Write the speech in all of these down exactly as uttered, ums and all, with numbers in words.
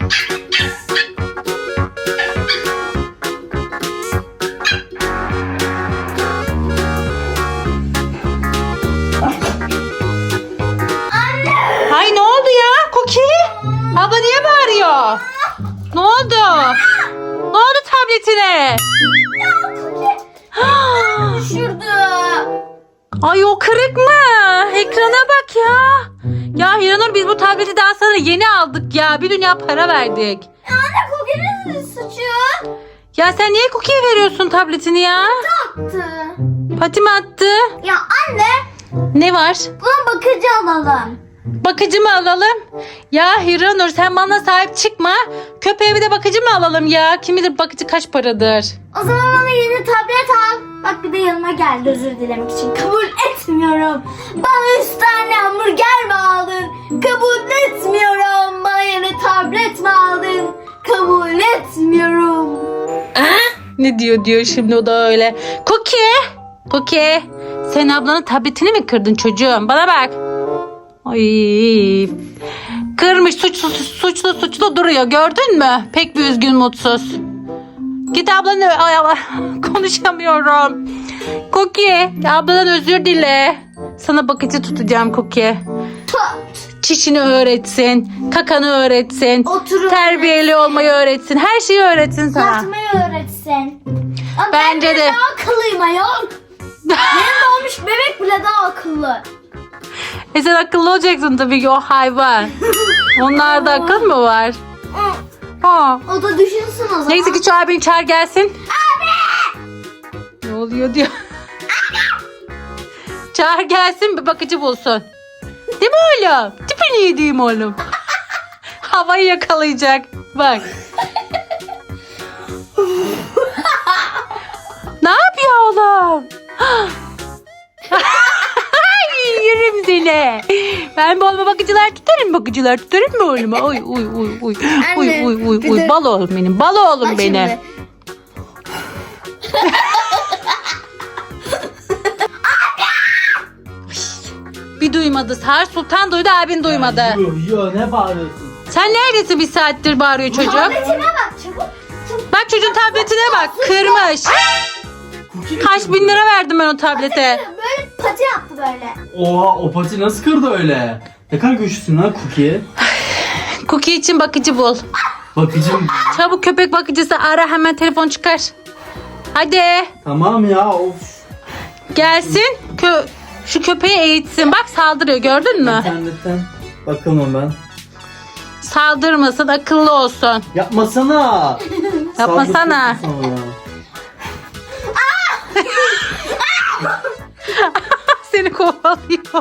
Ay ne oldu ya Cookie? Abla niye bağırıyor? Ne oldu? Ne oldu tabletine? Düşürdü. Ay o kırık mı? Ekrana bak ya. Ya Hiranur biz bu tableti daha sana yeni aldık ya. Bir dünya para verdik. Anne Cookie'nin suçu. Ya sen niye Cookie'ye veriyorsun tabletini ya? Attı. Pati mi attı? Ya anne Ne var? buna bakıcı alalım. Bakıcı mı alalım? Ya Hiranur sen bana sahip çıkma. Köpeğe bir de bakıcı mı alalım ya? Kim bilir bakıcı kaç paradır? O zaman bana yeni tablet al. Bak bir de yanıma geldi özür dilemek için. Kabul etmiyorum. Bana üç tane hamburger mi aldın? Kabul etmiyorum. Bana yeni tablet mi aldın? Kabul etmiyorum. Ne diyor diyor şimdi o da öyle. Cookie! Cookie! Sen ablanın tabletini mi kırdın çocuğum? Bana bak. Ay. Kırmış suçlu suçlu suçlu duruyor gördün mü? Pek bir üzgün mutsuz. Git ablanı ay, ay, konuşamıyorum. Cookie abladan özür dile. Sana bakıcı tutacağım Cookie. Tut. Çişini öğretsin, kakanı öğretsin, Oturup terbiyeli olmayı öğretsin, her şeyi öğretsin sana. Yatmayı öğretsin. Ama Bence ben de. daha akıllıyım ayol. Benim doğmuş bebek bile daha akıllı. E sen akıllı olacaksın tabii ki o hayvan. Onlarda akıl mı var? Ha. O da düşünsün o zaman. Neyse ki şu abini çağır gelsin. Abi! Ne oluyor diyor. Çağır gelsin bir bakıcı bulsun. Değil mi oğlum? Tipini yediğim oğlum. Havayı yakalayacak. Bak. Ne yapıyor oğlum? Yerim seni. Ben bu oğluma bakıcılar tutarım bakıcılar tutarım mı oğluma? Oy oy oy oy. Oy Anne, oy oy bir oy. de- Bal oğlum benim. Bal oğlum Bak benim. şimdi. Bir duymadı. Sar Sultan duydu abin duymadı. Yo yo ne bağırıyorsun? Sen neredesin bir saattir bağırıyor çocuk? Tabletime bak çabuk. Çabuk. Bak çocuğun tabletine bak. Kırmış. Cookie Kaç bin lira verdim ben o tablete. Böyle pati yaptı böyle. Oha o pati nasıl kırdı öyle? Ne kadar güçlüsün lan Cookie? Cookie için bakıcı bul. Bakıcım. Çabuk köpek bakıcısı ara hemen telefon çıkar. Hadi Tamam ya of. gelsin. Kö şu köpeği eğitsin. Bak saldırıyor gördün mü? İnternetten bakalım ben. Saldırmasın akıllı olsun. Yapmasana. Yapmasana. Saldırıyorsun sonra. Seni kovalıyor.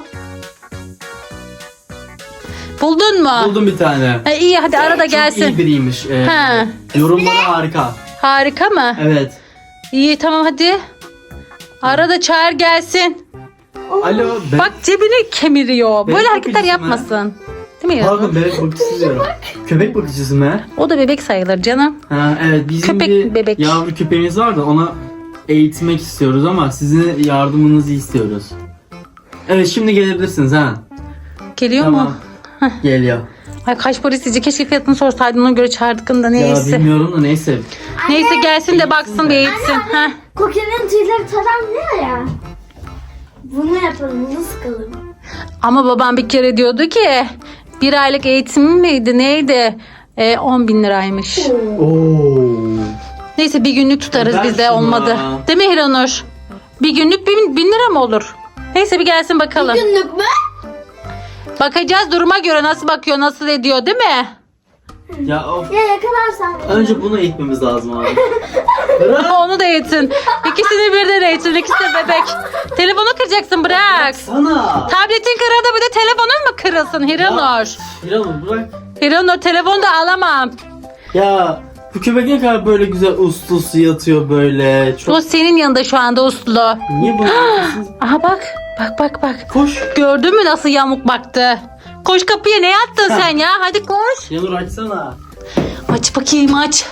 Buldun mu? Buldum bir tane. Ha, iyi hadi ara da Çok iyi gelsin. biriymiş. Ee, Ha. yorumları harika. Harika mı? Evet. İyi tamam hadi. Ara da çağır gelsin. Alo. Ben... Bak cebini kemiriyor. Bebek Böyle hareketler bakıcısı mı? yapmasın. Değil mi ya? Pardon bebek bakıcısı diyorum. Köpek bakıcısı mı? O da bebek sayılır canım. Ha, evet bizim Köpek, bir bebek. yavru köpeğimiz var da ona eğitmek istiyoruz ama sizin yardımınızı istiyoruz. Evet şimdi gelebilirsiniz ha. Geliyor Tamam. mu? Geliyor. Ay kaç para isteyecek? Keşke fiyatını sorsaydın ona göre çağırdık da Ya neyse. bilmiyorum da neyse. Neyse gelsin de baksın Eğitsin bir de. eğitsin. Heh. Cookie'nin tüyleri taran ne ya? Bunu yapalım bunu sıkalım. Ama babam bir kere diyordu ki bir aylık eğitim miydi neydi? E, on bin liraymış. Oo. Neyse bir günlük tutarız Ver biz de şunu. olmadı. Değil mi Hiranur? Bir günlük bin, bin lira mı olur? Neyse bir gelsin bakalım. Günlük mü? Bakacağız duruma göre nasıl bakıyor nasıl ediyor değil mi? Ya of. Ya yakalarsan. Önce bunu eğitmemiz lazım abi. Onu da eğitin. İkisini birden eğitin. İkisi de bebek. Telefonu kıracaksın bırak. Sana. Tabletin kırıldı bir de telefonun mu kırılsın Hiranur? Hiranur bırak. Hiranur telefonu da alamam. Ya bu köpek ne kadar böyle güzel uslu uslu yatıyor böyle. Çok... O senin yanında şu anda uslu. Niye bunu yapıyorsunuz? Aha bak. Bak bak bak. Koş. Gördün mü nasıl yamuk baktı? Koş kapıya ne yattın sen ya? Hadi koş. Hiranur açsana. Aç bakayım aç.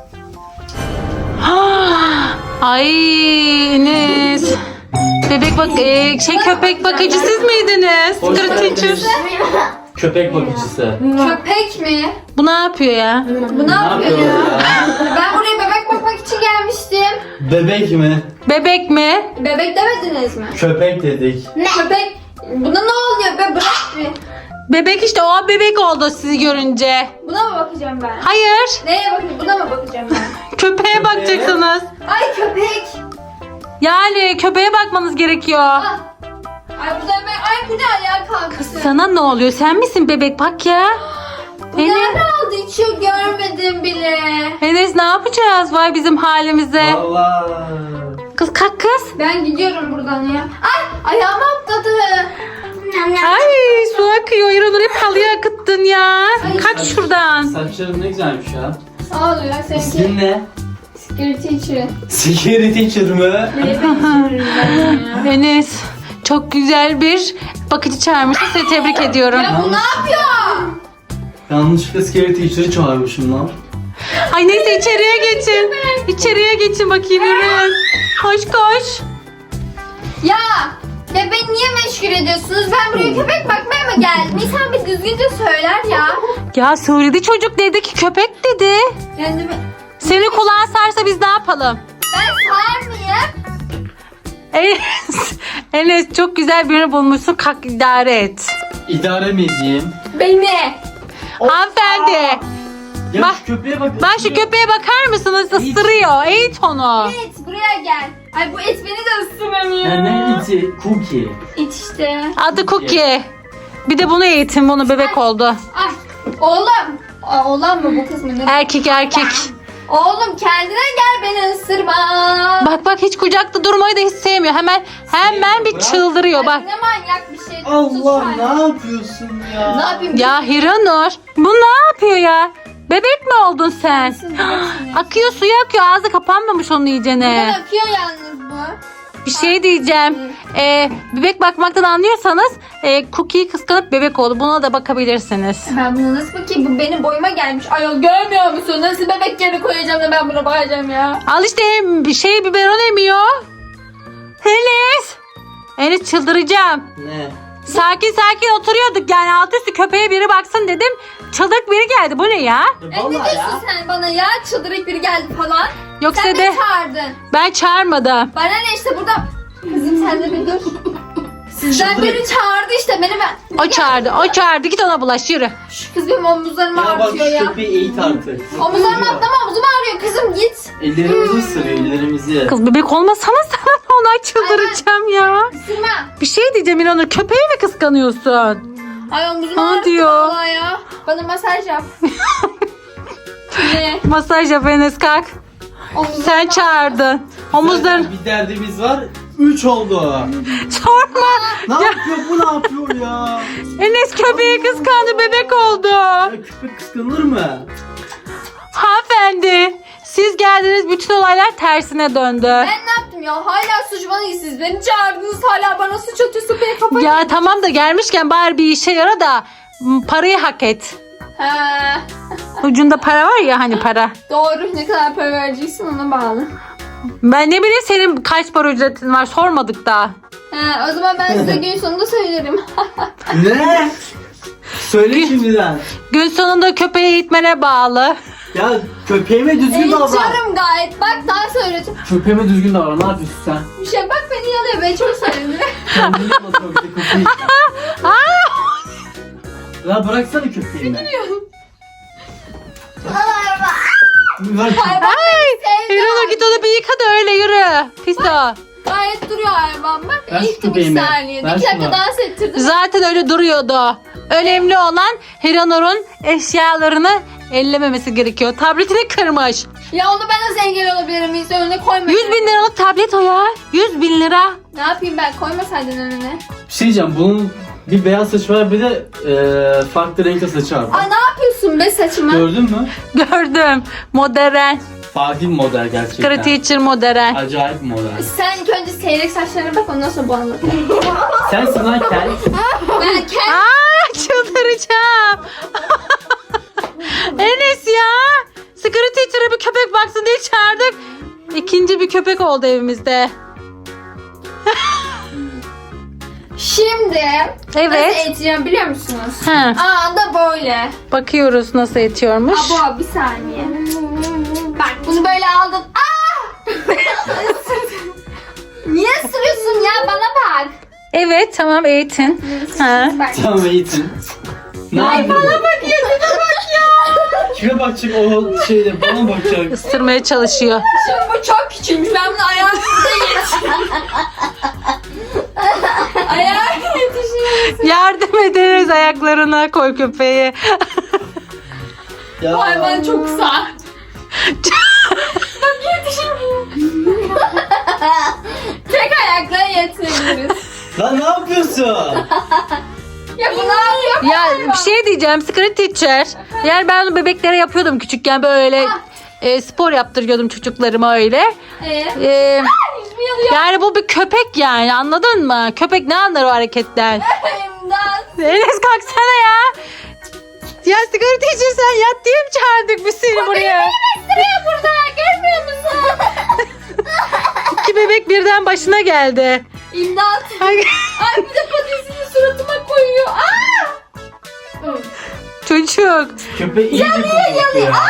Ah, ay Enes. Bebek bak e, şey köpek bakıcı siz miydiniz? Hoş Secret geldiniz. teacher. Köpek bakıcısı. Köpek mi? Bu ne yapıyor ya? Bu ne yapıyor ya? ya? Ben buraya bebek bakmak için gelmiştim. Bebek mi? Bebek mi? Bebek demediniz mi? Köpek dedik. Köpek. Buna ne oluyor be? Bırak bir. Bebek işte, o bebek oldu sizi görünce. Buna mı bakacağım ben? Hayır. Neye bakayım? Buna mı bakacağım ben? Köpeğe bakacaksınız. Ay köpek. Yani köpeğe bakmanız gerekiyor. Ah. Ay bu da ben. Ay bu ne ayağa kalktı? Sana ne oluyor? Sen misin bebek? Bak ya. Bu Beni- nerede aldı? İçiyor görmedim bile. Enes, ne yapacağız? Vay bizim halimize. Allah. Kız kalk kız. Ben gidiyorum buradan ya. Ay ayağım atladı. Nam nam. Ay su akıyor. İranur hep halıya akıttın ya. Kaç şuradan. Saçların ne güzelmiş ya. Sağ ol ya seninki. İsmin ne? Security teacher. Security teacher mı? Neye benziyorum ben ya? Enes çok güzel bir bakıcı çağırmışsın. Seni tebrik ediyorum. Ya bu ne yapıyor? Yanlışlıkla security teacher'ı çağırmışım lan. Ay neyse içeriye geçin. İçeriye geçin bakayım, yürüyün. Koş koş. Ya ya beni niye meşgul ediyorsunuz? Ben buraya köpek bakmaya mı geldim? İnsan bir düzgünce söyler ya. Ya söyledi çocuk, dedi ki köpek dedi. Kendimi... Senin kulağın sarsa biz ne yapalım? Ben sağır mıyım? Enes, Enes çok güzel birini bulmuşsun. Kalk idare et. İdare mi edeyim? Beni. Hanımefendi. Ya Bak- şu köpeğe bak. Ben şu köpeğe bakar mısınız? Isırıyor. Eğit onu. Et buraya gel. Ay bu et beni de ısıramıyor. Ya ne iti? Cookie. İt işte. Adı Cookie. Bir de bunu eğitin. Bunu bebek oldu. Ay oğlum. Aa, oğlan mı bu kız mı? Ne? Erkek erkek. Oğlum kendine gel beni ısırma. Bak bak hiç kucakta durmayı da hiç sevmiyor. Hemen hemen bir Bırak. çıldırıyor Ay, bak. ne manyak bir şey. Tut Allah şu an. ne yapıyorsun ya? Ne yapayım? Ya Hiranur, bu ne yapıyor ya? Bebek mi oldun sen? Nasıl bilirsiniz? Akıyor, suya akıyor. Ağzı kapanmamış onun Ben iyicene. akıyor yalnız bu. Bir şey diyeceğim. Ee, bebek bakmaktan anlıyorsanız e, Cookie'yi kıskanıp bebek oldu. Buna da bakabilirsiniz. Ben buna nasıl bakayım? Bu benim boyuma gelmiş. Ayol görmüyor musun? Nasıl bebek yerine koyacağım da ben buna bakacağım ya. Al işte bir şey biberon emiyor. Enes. Enes çıldıracağım. Ne? Sakin sakin oturuyorduk yani alt üstü köpeğe biri baksın dedim. Çıldık biri geldi. Bu ne ya? E ne diyorsun sen bana ya? Çıldırık biri geldi falan. Yoksa Sen de beni çağırdın. ben çağırmadım. Bana ne işte burada. Kızım sen de bir dur. Sizden Çıldırık. biri çağırdı işte beni ben. O çağırdı. O çağırdı. Git ona bulaş, yürü. Şu kız benim omuzlarımı Ya bak ağrıtıyor şu ya. köpeği eğit artık. Omuzlarımı atlama omuzum ağrıyor kızım git. Ellerimizi ısırıyor ellerimizi. Kız bebek olmasana sen. Ona çıldıracağım ya. Isırma. Bir şey diyeceğim İnanır. Köpeği mi kıskanıyorsun? Ay omuzum Ne ağrıttı diyor? vallahi ya. Bana masaj yap. ne? Masaj yap Enes, kalk. Omuzlarım Sen ağrıyor. çağırdın. Omuzların... Zaten bir derdimiz var. Üç oldu. Sorma. Ne yapıyor bu ne yapıyor ya? Enes köpeği kıskandı, bebek oldu. Ya köpek kıskanır mı? Hanımefendi, siz geldiniz, bütün olaylar tersine döndü. Ben ne yaptım ya? Hala suç bana değil. Siz beni çağırdınız hala bana suç atıyorsun. Beni kapat. Ya tamam da gelmişken bari bir işe yara da m, parayı hak et. He. Ucunda para var ya, hani para. Doğru. Ne kadar para vereceksin ona bağlı. Ben ne bileyim senin kaç para ücretin var, sormadık da. He, o zaman ben size gün sonunda söylerim. Ne? Söyle şimdiden. Gün sonunda köpeği eğitmene bağlı. Ya köpeğime düzgün davran. Eğitiyorum gayet. Bak daha söyledim. Köpeğime düzgün davran. Ne yapıyorsun sen? Bir şey bak beni yalıyor. Ben çok sevdim. Kendini yapma bir de köpeği. Ya bıraksana köpeğimi. Ver Hayvan Ay, sevdi. Hiranur git onu bir yıka da öyle yürü. Pis o. Gayet duruyor hayvan. Bak Ver şu eğittim iki köpeğimi. saniyede. Ver İki dakika şunu. dans ettirdim. Zaten öyle duruyordu. Önemli olan Hiranur'un eşyalarını ellememesi gerekiyor. Tabletini kırmış. Ya onu ben nasıl engel olabilirim? Hiç önüne koyma. yüz bin liralık tablet o ya. yüz bin lira. Ne yapayım ben? Koymasaydın önüne. Bir şey diyeceğim. Bunun bir beyaz saçı var bir de e, farklı renkte saçı var. Aa ne yapıyorsun be saçıma? Gördün mü? Gördüm. Modern. Farklı bir model gerçekten. Secret teacher modern. Acayip bir model. Sen ilk önce seyrek saçlarına bak ondan sonra bu anlat. Sensin lan kel. Ben kendim Aa, çıldıracağım. Enes ya. Secret teacher'a bir köpek baksın diye çağırdık. İkinci bir köpek oldu evimizde. Şimdi Evet. nasıl eğiteceğim biliyor musunuz? Ha, Aa da böyle. bakıyoruz nasıl etiyormuş. Abo bir saniye. Bak bunu böyle aldın. Aa! Niye ısırıyorsun ya? Bana bak. Evet tamam eğitin. Ha. Bak. Tamam eğitin. Ne yapıyorsun? Bana bak ya, bana bak ya. Kime bakacak o şeyde bana bakacak. Isırmaya çalışıyor. Şimdi bu çok küçükmüş. Ben bunu ayağımda yetişirim. Ayağım yetişirim. Yardım ederiz ayaklarına koy köpeği. Ya. Hayvan çok kısa. Bak yetişemiyor. Tek ayakla yetirebiliriz. Lan ne yapıyorsun? Ya bu ne yapıyor? Ya bir şey diyeceğim Secret Teacher. Yani ben onu bebeklere yapıyordum küçükken böyle e, spor yaptırıyordum çocuklarıma öyle. Ee, E, yüzümü yalıyor. yani bu bir köpek yani anladın mı? Köpek ne anlar o hareketten? İmdat. Enes kalksana ya. Ya Secret Teacher sen yat diye mi çağırdık biz seni buraya? Sıraya burada. Görmüyor musun? İki bebek birden başına geldi. İmdat. Ay, Ay bir de patatesini suratıma koyuyor. Aa! çocuk. Köpeği iyice korkuttu ya.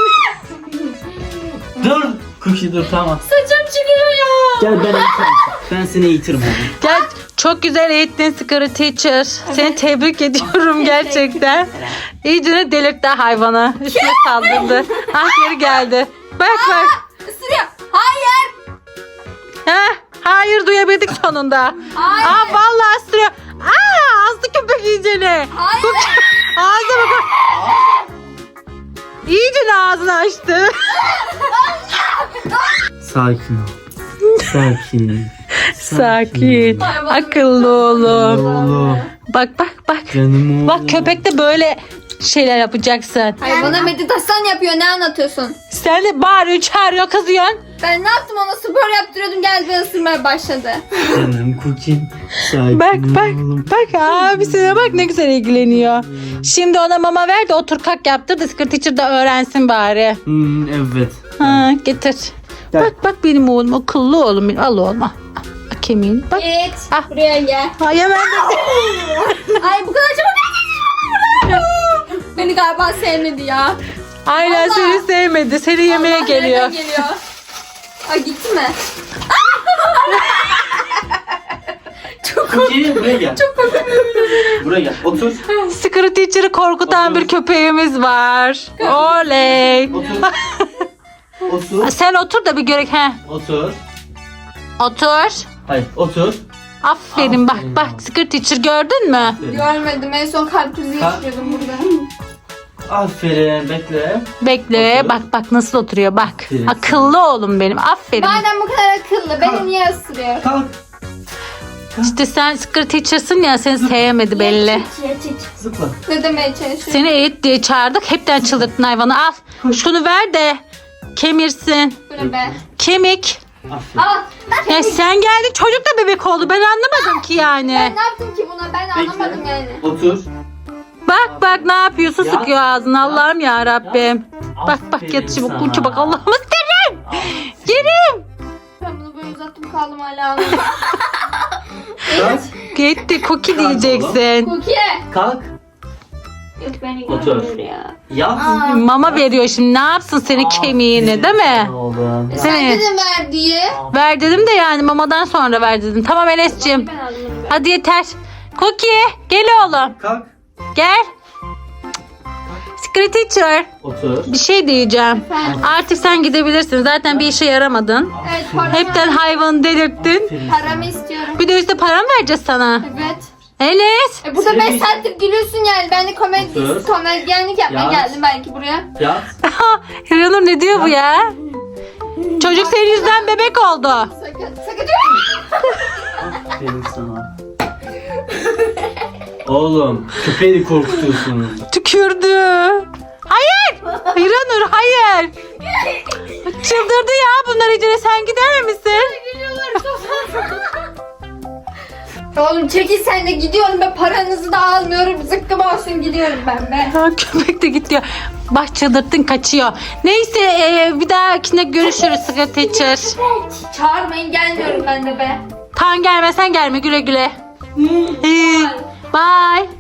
Dur. Cookie dur tamam. Saçım çıkıyor ya. Gel ben eğitirim. Ben seni eğitirim hadi. Gel çok güzel eğittin Secret Teacher. Seni tebrik ediyorum gerçekten. İyice delirtti hayvanı. Üstüne saldırdı. Ah geri geldi. Bak bak. Isırıyor. Hayır. Ha, hayır duyabildik sonunda. Hayır. Aa vallahi ısırıyor. Aa azdı köpek iyicene. Hayır. Ağzına bak. İyice ağzını açtı. Sakin ol. Sakin. Sakin. Akıllı oğlum. Oğlum. Bak bak bak. Canım oğlum. Bak köpek de böyle şeyler yapacaksın. Hayvana meditasyon yapıyor. Ne anlatıyorsun? Sen de bağırıyor, çağırıyor, kızıyorsun. Ben ne yaptım ona spor yaptırıyordum geldi beni ısırmaya başladı. Canım Cookie'm. Sakin Bak ol bak oğlum. bak abisine bak ne güzel ilgileniyor. Şimdi ona mama ver de otur kalk yaptır da Secret Teacher da öğrensin bari. Hmm, evet. Ha, getir. Gel. Bak bak benim oğlum akıllı oğlum benim. Al oğlum al. Al, kemiğini bak. Evet. Ah. Buraya gel. Ay hemen de. Ay bu kadar çabuk. Beni galiba sevmedi ya. Aynen Allah. seni sevmedi. Seni yemeye Allah geliyor. nereden geliyor? Ay gitti mi? Cookie buraya gel. Çok Buraya gel. Otur. Secret Teacher'ı korkutan Otur. bir köpeğimiz var. Oley. Otur. Otur. Sen otur da bir görek. He. Otur. Otur. Hayır otur. Aferin bak Aferin. bak Secret Teacher gördün mü? Görmedim. En son kalp krizi Ha? geçiriyordum burada. Aferin bekle. Bekle Otur. bak bak nasıl oturuyor bak. Aferin. Akıllı oğlum benim aferin. Madem bu kadar akıllı Kalk. beni niye ısırıyor? Kalk. İşte sen Secret Teacher'sın ya seni sevmedi belli. Zıpla. Ne demeye çalışıyor? Seni eğit diye çağırdık hepten çıldırttın hayvanı al. Şunu ver de kemirsin. Bu ne be? Kemik. Aferin. Al. Ya sen geldin çocuk da bebek oldu ben anlamadım ki yani. Ben ne yaptım ki buna? Ben anlamadım Bekle. yani. Otur. Bak bak ne yapıyorsun Ya. sıkıyor ağzını Allah'ım ya Rabbim. Bak bak Aferin yat çabuk sana. kurça bak Allah'ım isterim. Yerim. Ben bunu böyle uzattım kaldım hala anlamadım. Kalk. Gitti cookie Kalk diyeceksin. Cookie. Kalk. Yok beni Otur. görmüyor ya. Yat. Mama veriyor şimdi ne yapsın senin kemiğini değil mi? Oğlum. Sen Evet. dedin ver diye. Ver dedim de yani mamadan sonra ver dedim. Tamam Enes'ciğim. Ben anlamadım. Hadi yeter. Cookie gel oğlum. Kalk. Gel. Secret Teacher Otur. bir şey diyeceğim. Efendim? Artık sen gidebilirsin. Zaten bir işe yaramadın. Evet paramı, Hepten hayvanı delirttin. Aferin. paramı istiyorum. Bir de üstte para mı vereceğiz sana? Evet. Enes. E burada Seni- beş saattir gülüyorsun yani. Ben de komedi, Otur. komedyenlik yapmaya Yat. geldim belki buraya. Yat. Hiranur ne diyor bu ya? Çocuk senin yüzünden bebek oldu. Sakın, sakın. Aferin sana. Oğlum köpeği de korkutuyorsunuz. Tükürdü. Hayır. Hiranur hayır. Çıldırdı ya bunlar iyice sen gider misin? Gülüyorlar Oğlum çekil sen de gidiyorum be paranızı da almıyorum zıkkım olsun gidiyorum ben be. Ha, köpek de gidiyor. Bak çıldırttın kaçıyor. Neyse e, bir dahakine görüşürüz Secret Teacher. Çağırmayın gelmiyorum ben de be. Tan gelmesen gelme güle güle. Bye.